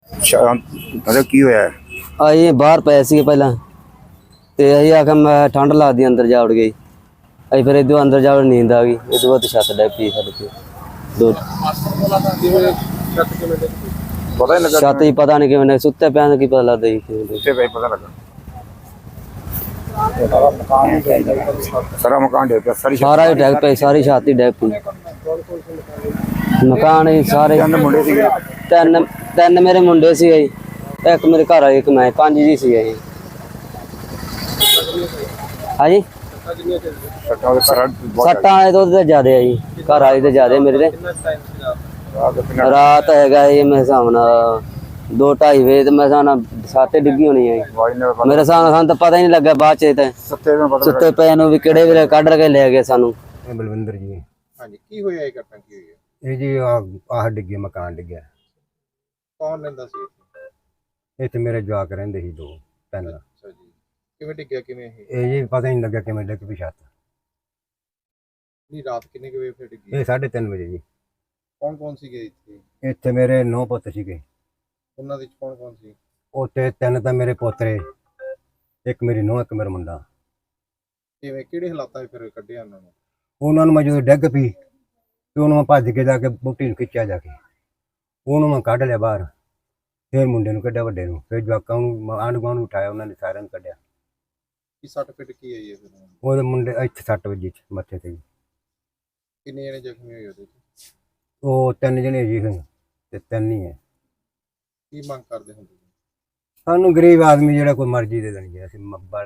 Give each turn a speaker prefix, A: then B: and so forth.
A: मतलब की होया है?
B: ਅਸੀਂ ਬਾਹਰ ਪਏ ਸੀ ਪਹਿਲਾਂ ਤੇ ਅਸੀਂ ਆਖਿਆ ਮੈਂ ਠੰਡ ਲੱਗਦੀ ਅੰਦਰ ਜਾ ਵੜ ਗਈ। ਅਸੀਂ ਫਿਰ ਇਦੋਂ ਅੰਦਰ ਜਾ ਵੜ ਨੀਂਦ ਆ ਗਈ। ਇਹ ਤੋਂ ਬਾਅਦ ਛੱਤ ਡਿੱਗ ਪਈ ਸਾਡੇ ਤੇ ਦੋ
A: पता ही लगा
B: ਛੱਤ ਹੀ ਪਤਾ ਨਹੀਂ ਕਿਵੇਂ ਸੁੱਤੇ ਪਿਆ ਤਾਂ ਕੀ ਪਤਾ ਲੱਗਦਾ ਜੀ ਕਿਵੇਂ ਡਿੱਗ।
A: उससे भाई पता लगा सारा मकान डे पे सारी
B: ਸਾਰਾ ਹੀ ਡਿੱਗ ਪਈ ਸਾਰੀ ਛੱਤ ਹੀ ਡਿੱਗ ਪਈ ਮਕਾਨ ਹੀ ਸਾਰੇ
A: चंद मुंडे सी
B: ਤਿੰਨ ਮੇਰੇ ਮੁੰਡੇ ਸੀ ਜੀ ਇੱਕ ਮੇਰੇ ਘਰ ਵਾਲੀ ਇੱਕ ਮੈਂ ਪੰਜ ਜੀ ਸੀ ਜੀ। ਹਾਂਜੀ
A: सट्टा दे सारा
B: ਸੱਟਾਂ ਵਾਲੇ ਤੋਂ ਤੇ ਜ਼ਿਆਦੇ ਆ ਜੀ ਘਰ ਵਾਲੀ ਤੇ ਜ਼ਿਆਦੇ ਮੇਰੇ ਤੇ ਰਾਤ ਹੈਗਾ ਜੀ ਮੇਰੇ ਹਿਸਾਬ ਨਾਲ 2-2:30 ਵਜੇ ਤੇ ਮੇਰੇ ਹਿਸਾਬ ਨਾਲ ਛੱਤ ਡਿੱਗੀ ਹੋਣੀ ਹੈ ਜੀ। ਮੇਰੇ ਹਿਸਾਬ ਨਾਲ ਸਾਨੂੰ ਤਾਂ ਪਤਾ ਹੀ ਨਹੀਂ ਲੱਗਾ ਬਾਅਦ ਚ ਤੇ
A: सत्ते में पता
B: ਸੁੱਤੇ ਪਏ ਨੂੰ ਵੀ ਕਿਹੜੇ ਵੇਲੇ ਕੱਢ ਕੇ ਲੈ ਗਏ ਸਾਨੂੰ।
C: ਬਲਵਿੰਦਰ ਜੀ।
D: ਹਾਂਜੀ ਕੀ ਹੋਇਆ ਇਹ ਘਟਨਾ ਕੀ ਹੋਈ ਹੈ?
C: ਇਹ ਜੀ ਆਹ ਡਿੱਗੇ ਮਕਾਨ ਡਿੱਗਿਆ।
D: ਕੌਣ ਰਹਿੰਦਾ ਸੀ ਇੱਥੇ?
C: ਇੱਥੇ ਮੇਰੇ ਜਵਾਕ ਰਹਿੰਦੇ ਸੀ 2-3।
D: ਅੱਛਾ ਜੀ ਕਿਵੇਂ ਡਿੱਗਿਆ ਕਿਵੇਂ
C: ਇਹ ਜੀ ਪਤਾ ਹੀ ਨਹੀਂ ਲੱਗਿਆ ਕਿਵੇਂ ਡਿੱਗ ਪਈ ਛੱਤ।
D: ਨਹੀਂ ਰਾਤ ਕਿੰਨੇ ਕੁ ਵਜੇ ਫਿਰ ਡਿੱਗੀ?
C: ਇਹ 3:30 ਵਜੇ ਜੀ।
D: ਕੌਣ ਸੀਗੇ ਇੱਥੇ?
C: ਇੱਥੇ ਮੇਰੇ 9 ਪੁੱਤ ਸੀਗੇ।
D: ਉਹਨਾਂ ਦੇ ਵਿੱਚ ਕੌਣ ਸੀ?
C: ਉੱਥੇ 3 ਤਾਂ ਮੇਰੇ ਪੋਤਰੇ, ਇੱਕ ਮੇਰੀ ਨੂੰਹ, ਇੱਕ ਮੇਰਾ ਮੁੰਡਾ।
D: ਕਿਵੇਂ ਕਿਹੜੇ ਹਾਲਾਤਾਂ 'ਚ ਫਿਰ ਕੱਢਿਆ ਉਹਨਾਂ
C: ਉਹਨਾਂ ਨੂੰ ਮੈਂ ਜਦੋਂ ਡਿੱਗ ਪਈ ਤੇ ਉਹਨੂੰ ਮੈਂ ਭੱਜ ਕੇ ਜਾ ਕੇ ਬੂਟੀ ਨੂੰ ਖਿੱਚਿਆ ਜਾ ਕੇ ਉਹਨੂੰ ਮੈਂ ਕੱਢ ਲਿਆ ਬਾਹਰ। ਫਿਰ ਮੁੰਡੇ ਨੂੰ ਕੱਢਿਆ ਵੱਡੇ ਨੂੰ, ਫਿਰ ਜਵਾਕਾਂ ਨੂੰ ਆਂਢ ਗੁਆਂਢ ਨੂੰ ਉਠਾਇਆ, ਉਹਨਾਂ ਨੇ ਸਾਰਿਆਂ ਨੂੰ ਕੱਢਿਆ।
D: ਕੀ ਸੱਟ ਫਿੱਟ ਕੀ ਆਈ ਹੈ ਫਿਰ ਉਹਨਾਂ ਨੂੰ?
C: ਉਹਦੇ ਮੁੰਡੇ ਇੱਥੇ 6 ਵਜੇ ਮੱਥੇ ਤੇ ਜੀ।
D: ਕਿੰਨੇ ਜਣੇ ਜ਼ਖਮੀ ਹੋਏ ਉਹਦੇ 'ਚ?
C: ਉਹ 3 ਜਣੇ ਜੀ ਤੇ 3 ਹੀ ਹੈ।
D: ਕੀ ਮੰਗ ਕਰਦੇ ਹੁੰਦੇ?
C: ਸਾਨੂੰ ਗਰੀਬ ਆਦਮੀ ਜਿਹੜਾ ਕੋਈ ਮਰਜ਼ੀ ਦੇ ਦੇਣੀ, ਅਸੀਂ